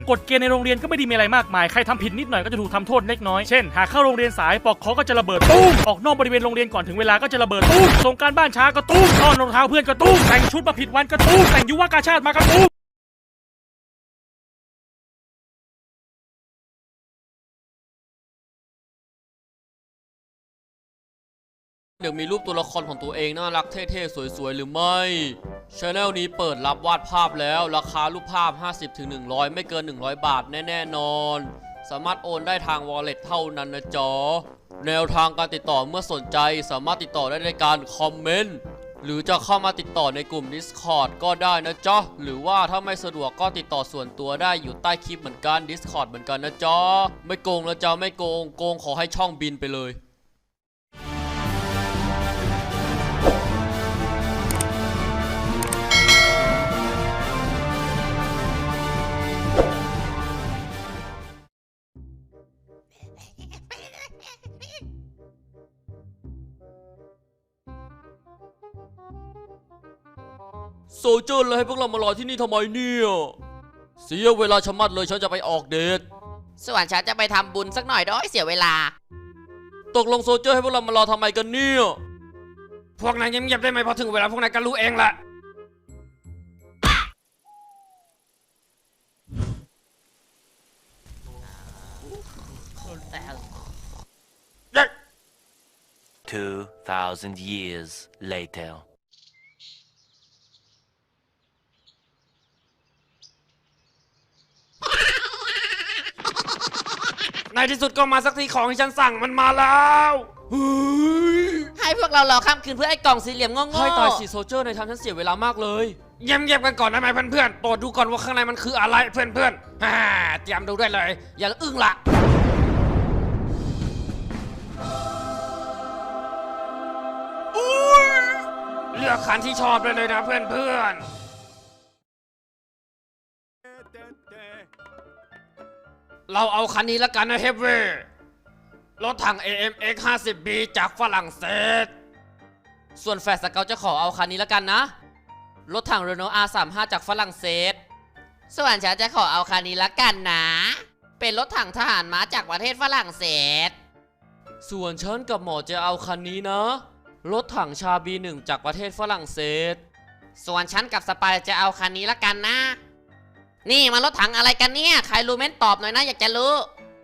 กฎเกณฑ์ในโรงเรียนก็ไม่ได้มีอะไรมากมายใครทำผิดนิดหน่อยก็จะถูกทำโทษเล็กน้อยเช่นหากเข้าโรงเรียนสายปอกคอก็จะระเบิดตุ้มออกนอกบริเวณโรงเรียนก่อนถึงเวลาก็จะระเบิดตุ้มส่งการบ้านช้าก็ตุ้มต้อนรองเท้าเพื่อนก็ตุ้มแต่งชุดมาผิดวันก็ตุ้มแต่งยุวกาชาติมาก็ตุ้มเดี๋ยวมีรูปตัวละครของตัวเองน่ารักเท่ๆสวยๆหรือไม่ช anel นี้เปิดรับวาดภาพแล้วราคารูปภาพ 50-100 ไม่เกิน 100 บาทแน่ๆนอนสามารถโอนได้ทาง wallet เท่านั้นนะจ๊ะแนวทางการติดต่อเมื่อสนใจสามารถติดต่อได้ในการคอมเมนต์หรือจะเข้ามาติดต่อในกลุ่ม Discord ก็ได้นะจ๊ะหรือว่าถ้าไม่สะดวกก็ติดต่อส่วนตัวได้อยู่ใต้คลิปเหมือนกัน Discord เหมือนกันนะจ๊ะไม่โกงนะจ๊ะไม่โกงขอให้ช่องบินไปเลยโซเจอร์เลยให้พวกเรามารอที่นี่ทำไมเนี่ยเสียเวลาชะมัดเลยฉันจะไปออกเดทส่วนฉันจะไปทำบุญสักหน่อยด้วยเสียเวลาตกลงโซเจอร์ให้พวกเรามารอทำไมกันเนี่ยพวกนายเงียบๆได้ไหมพอถึงเวลาพวกนายก็รู้เองแหละ 2,000 years later. ในที่สุดก็มาสักทีของที่ฉันสั่งมันมาแล้วให้พวกเรารอข้ามคืนเพื่อไอ้กล่องสี่เหลี่ยมโง่ๆให้ตายสิโซเจอร์ในทำฉันเสียเวลามากเลยเงียบๆกันก่อนได้ไหมเพื่อนๆโปรดดูก่อนว่าข้างในมันคืออะไรเพื่อนๆเตรียมดูได้เลยอย่าอึ้งละเลือกคันที่ชอบเลยนะเพื่อนๆเราเอาคันนี้แล้วกันนะเฮฟเว่รถถัง AMX 50B จากฝรั่งเศสส่วนแฟร์สเกลจะขอเอาคันนี้แล้วกันนะรถถัง Renault R35 จากฝรั่งเศสส่วนฉันจะขอเอาคันนี้ละกันนะเป็นรถถังทหารม้าจากประเทศฝรั่งเศสส่วนฉันกับหมอจะเอาคันนี้นะรถถังชา B1 จากประเทศฝรั่งเศสส่วนฉันกับสปายจะเอาคันนี้ละกันนะนี่มันรถถังอะไรกันเนี่ยใครรู้เม้นตอบหน่อยนะอยากจะรู้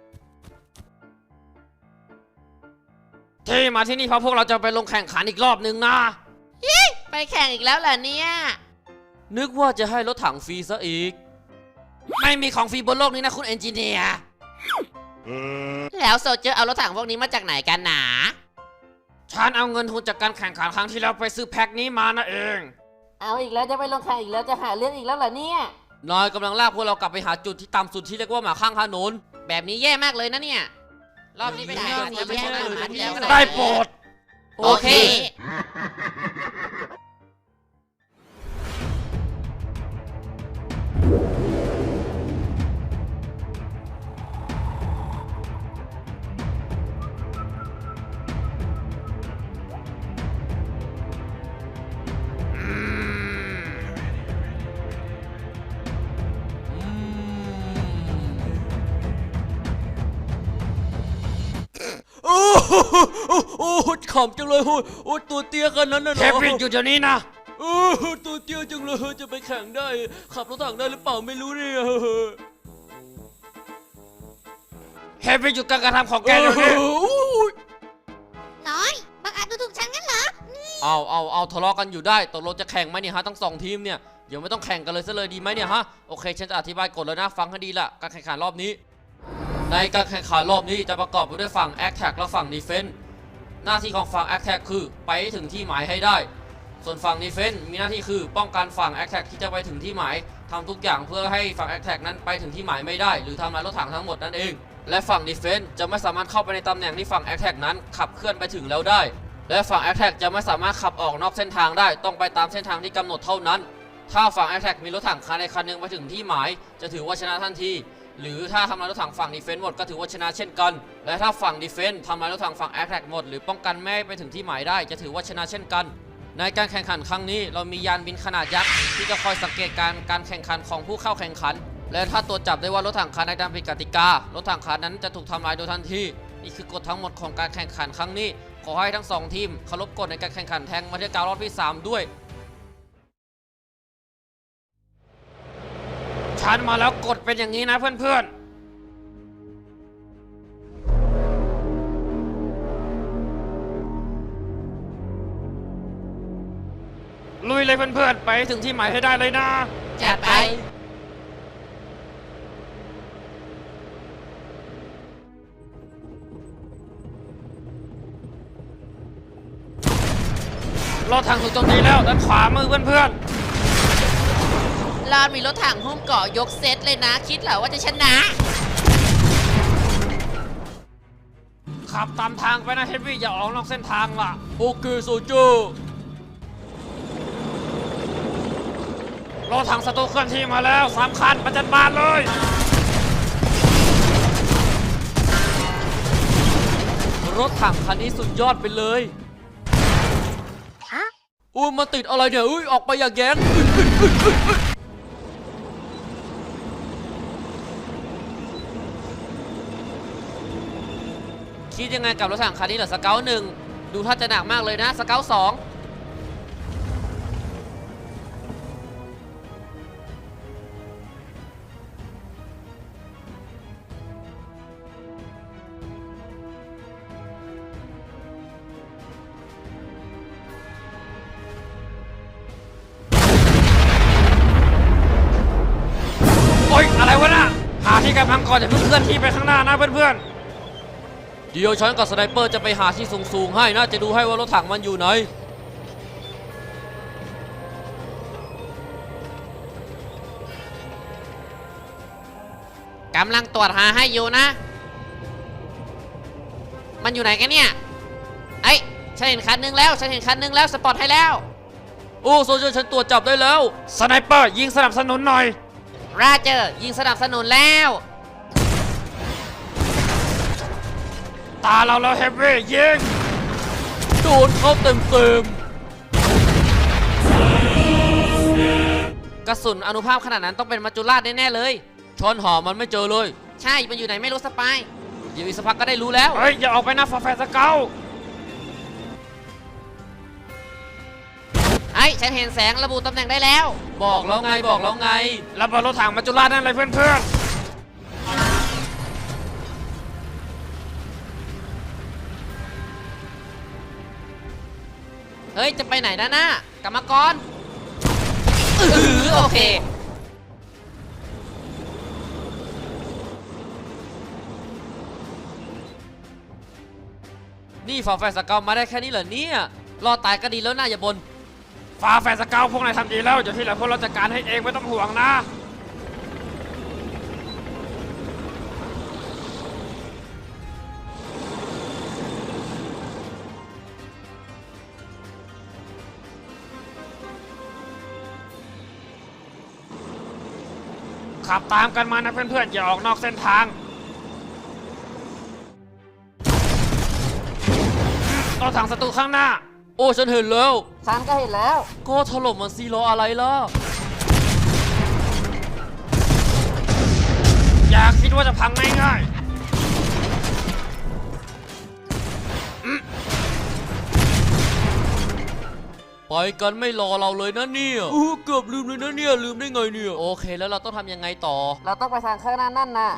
ที่มาที่นี่เพราะพวกเราจะไปลงแข่งขันอีกรอบนึงนะไปแข่งอีกแล้วเหรอเนี่ยนึกว่าจะให้รถถังฟรีซะอีกไม่มีของฟรีบนโลกนี้นะคุณเอนจิเนียร์แล้วโซเจอร์เอารถถังพวกนี้มาจากไหนกันหนาฉันเอาเงินทุนจากการแข่งขันครั้งที่แล้วไปซื้อแพ็คนี้มานะเองเอาอีกแล้วจะไปลงแข่งอีกแล้วจะหาเรื่องอีกแล้วเหรอเนี่ยนายกำลังลากพวกเรากลับไปหาจุดที่ต่ำสุดที่เรียกว่าหมาข้างถนนแบบนี้แย่มากเลยนะเนี่ยรอบนี้ไปหาจะไม่ใช่เลยได้โปรดโอเคโอ้ขำจังเลยโอ้ตัวเตี้ยกันนั้นนะเทปวิ่งอยู่เดี๋ยวนี้นะตัวเตี้ยจังเลยจะไปแข่งได้ขับรถถังได้หรือเปล่าไม่รู้เนี่ยเทปวิ่งหยุดการกระทำของแกเดี๋ยวนี้น้อยบังอาจดูถูกฉันงั้นเหรอเอาทะเลาะกันอยู่ได้ตกลงจะแข่งไหมเนี่ยฮะทั้ง2ทีมเนี่ยเดี๋ยวไม่ต้องแข่งกันเลยซะเลยดีไหมเนี่ยฮะโอเคฉันจะอธิบายกฎแล้วนะฟังให้ดีละการแข่งขันรอบนี้ในการแข่งขันรอบนี้จะประกอบไปด้วยฝั่ง Attack และฝั่ง Defense หน้าที่ของฝั่ง Attack คือไปถึงที่หมายให้ได้ส่วนฝั่ง Defense มีหน้าที่คือป้องกันฝั่ง Attack ที่จะไปถึงที่หมายทำทุกอย่างเพื่อให้ฝั่ง Attack นั้นไปถึงที่หมายไม่ได้หรือทำลายรถถังทั้งหมดนั่นเองและฝั่ง Defense จะไม่สามารถเข้าไปในตำแหน่งที่ฝั่ง Attack นั้นขับเคลื่อนไปถึงแล้วได้และฝั่ง Attack จะไม่สามารถขับออกนอกเส้นทางได้ต้องไปตามเส้นทางที่กำหนดเท่านั้นถ้าฝั่ง Attack มีรถถังคันใดคันหนึ่งไปถึงที่หมายจะถือว่าชนะทันทีหรือถ้าทำลายรถถังฝั่งดีเฟนส์หมดก็ถือว่าชนะเช่นกันและถ้าฝั่งดีเฟนส์ทำลายรถถังฝั่งแอตแทกหมดหรือป้องกันไม่ให้ไปถึงที่หมายได้จะถือว่าชนะเช่นกันในการแข่งขันครั้งนี้เรามียานบินขนาดยักษ์ที่จะคอยสังเกตการแข่งขันของผู้เข้าแข่งขันและถ้าตรวจจับได้ว่ารถถังคันใดทำผิดกติการถถังคันนั้นจะถูกทำลายโดยทันทีนี่คือกฎทั้งหมดของการแข่งขันครั้งนี้ขอให้ทั้งสองทีมเคารพกฎในการแข่งขันแทงมาเทียบการรอบที่ 3 ด้วยฉันมาแล้วกฎเป็นอย่างนี้นะเพื่อนๆ ลุยเลยเพื่อนๆ ไปให้ถึงที่หมายให้ได้เลยนะจัดไปรถถังถูกโจมตีแล้วด้านขวามือเพื่อนลานมีรถถังหุ้มเกาะยกเซตเลยนะ คิดเหรอว่าจะชนะๆ ขับตามทางไปนะเฮฟวี่อย่าออกนอกเส้นทางล่ะโอเคโซเจอร์รถถังศัตรูเคลื่อนที่มาแล้ว3 คันประจันบานเลยรถถังคันนี้สุดยอดไปเลยอุ้ยมาติดอะไรเนี่ยอุ้ยออกไปอย่าแย้งคิดยังไงกับรถถังคันนี้เหรอสเกลหนึ่งดูท่าจะหนักมากเลยนะสเกลสองโอ๊ยอะไรวะน่ะหาที่กำลังก่อนอย่าเพิ่งเคลื่อนที่ไปข้างหน้านะเพื่อนเดี๋ยวฉันกับสไนเปอร์จะไปหาที่สูงๆให้นะจะดูให้ว่ารถถังมันอยู่ไหนกำลังตรวจหาให้อยู่นะ มันอยู่ไหนกันเนี่ย เอ้ยฉันเห็นคันนึงแล้ว ฉันเห็นคันนึงแล้ว สปอตให้แล้วโอ้โซเจอร์ฉันตรวจจับได้แล้วๆสไนเปอร์ยิงสนับสนุนหน่อยราเจอร์ยิงสนับสนุนแล้วตาเราแล้วเฮฟวี่ยิงโดนเข้าเต็มกระสุนอนุภาพขนาดนั้นต้องเป็นมัจจุราชแน่ๆเลยช้อนหอมันไม่เจอเลยใช่ มันอยู่ไหนไม่รู้สปายเดี๋ยวอีกสักพักก็ได้รู้แล้วเฮ้ยอย่าออกไปนะฟาแฟสเกลเอ้ยฉันเห็นแสงระบุตำแหน่งได้แล้วบอกแล้วไงบอกแล้วไงระเบิดรถถังมัจจุราชนั่นเลยเพื่อนเฮ้ย จะไปไหนนะกรรมกรโอเคนี่ฝาแฝดสเกลมาได้แค่นี้เหรอเนี่ยรอดตายก็ดีแล้วนะอย่าบนๆฟาแฟสเกลพวกนายทำดีแล้วเดี๋ยวที่เหลือพวกเราจัดการให้เองไม่ต้องห่วงนะ ขับตามกันมานะเพื่อนๆอย่าออกนอกเส้นทางรถถังศัตรูข้างหน้าโอ้ฉันเห็นแล้วฉันก็เห็นแล้วก็ถล่มมันซีล้ออะไรล่ะอย่าคิดว่าจะพังง่ายๆไปกันไม่รอเราเลยนะเนี่ยเกือบลืมเลยนะเนี่ยลืมได้ไงเนี่ยโอเคแล้วเราต้องทำยังไงต่อเราต้องไปทางข้างหน้านั่นน่ะ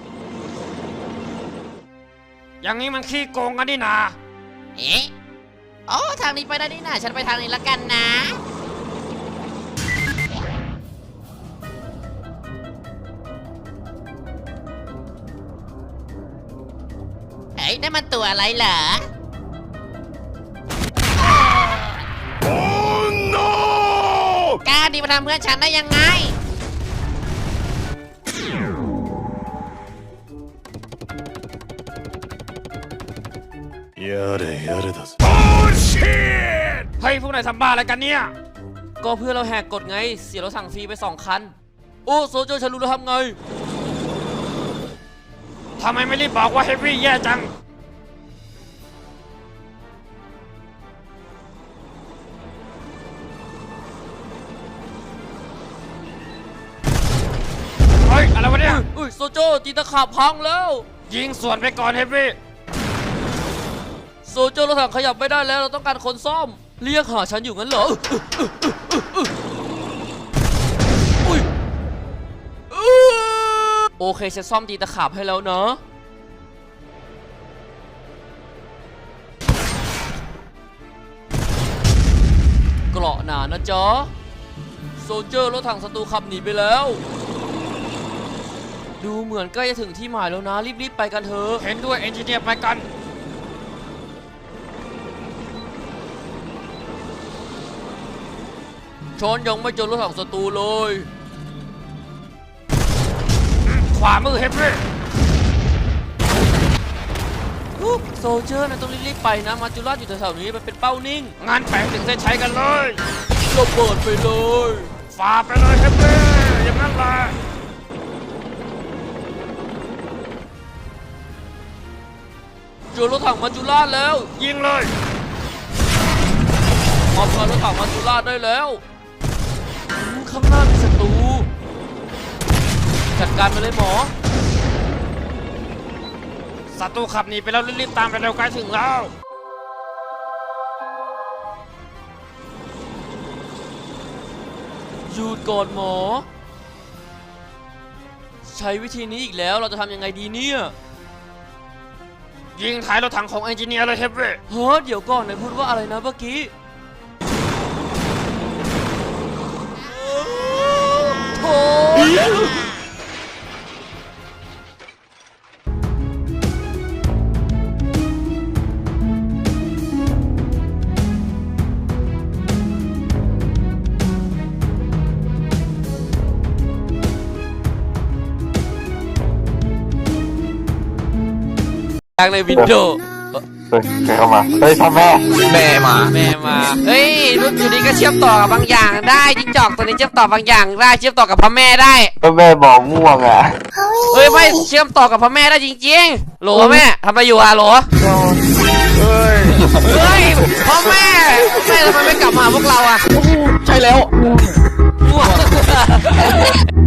อย่างนี้มันขี้โกงกันนี่นาเอ๊ะโอ้ทางนี้ไปได้นี่นะฉันไปทางนี้ละกันนะเฮ้ยนั่นมันตัวอะไรเหรอ กล้าดีมาทำเพื่อนฉันได้ยังไงやれやれだぜ。 เฮ้ยพวกนายทำบ้าอะไรกันเนี่ยก็เพื่อเราแหกกฎไงเสียรถสั่งฟรีไป2 คันโอ้โซเจอร์ฉันรู้แล้วทำไงทำไมไม่รีบบอกว่าเฮฟวี่แย่จัง เฮ้ย อะไรวะเนี่ยอุ้ยโซโจตีตะขาบพังแล้วยิงสวนไปก่อนเฮฟวี่โซโจรถถังขยับไม่ได้แล้วเราต้องการคนซ่อมเรียกหาฉันอยู่งั้นเหรออุ้ยโอเคฉันซ่อมตีตะขาบให้แล้วนะเกราะหนานะจ๊ะโซเจอร์รถถังศัตรูขับหนีไปแล้วดูเหมือนใกล้จะถึงที่หมายแล้วนะรีบๆไปกันเถอะเห็นด้วยเอนจิเนียร์ไปกันชอนยังไม่เจอรถถังศัตรูเลยขวามือเฮฟวี่โซเจอร์นะต้องรีบๆไปนะมาจูราอยู่แถวๆนี้มันเป็นเป้านิ่งงานแปลงถึงเส้นชัยกันเลยระเบิดไปเลยฝ่าไปเลยเฮฟวี่อย่างนั้นแหละเจอรถถังมาจูราแล้วยิงเลยมอบรถถังมาจูราได้แล้วข้างหน้ามีศัตรูจัดการไปเลยหมอศัตรูขับหนีไปแล้วรีบๆตามไปเร็วใกล้ถึงแล้วหยุดก่อนหมอ ใช้วิธีนี้อีกแล้วเราจะทำยังไงดีเนี่ยยิงท้ายรถถังของเอนจิเนียร์เลยเฮฟวี่เฮ้ยเดี๋ยวก่อนนายพูดว่าอะไรนะเมื่อกี้โถ่ ทางในวินโดว์เฮ้ยเข้ามาเฮ้ยพ่อแม่แม่มาแม่มาเฮ้ยรุ่นอยู่นี้ก็เชื่อมต่อกับบางอย่างได้จิ้งจอกตัวนี้เชื่อมต่อบางอย่างได้เชื่อมต่อกับพ่อแม่ได้พ่อแม่บอกม่วงอ่ะเฮ้ยไม่เชื่อมต่อกับพ่อแม่ได้จริงๆโหลแม่ทำอะไรอยู่อะโหลเฮ้ยพ่อแม่ทำไมไม่กลับมาหาพวกเราอะใช่แล้วว้าว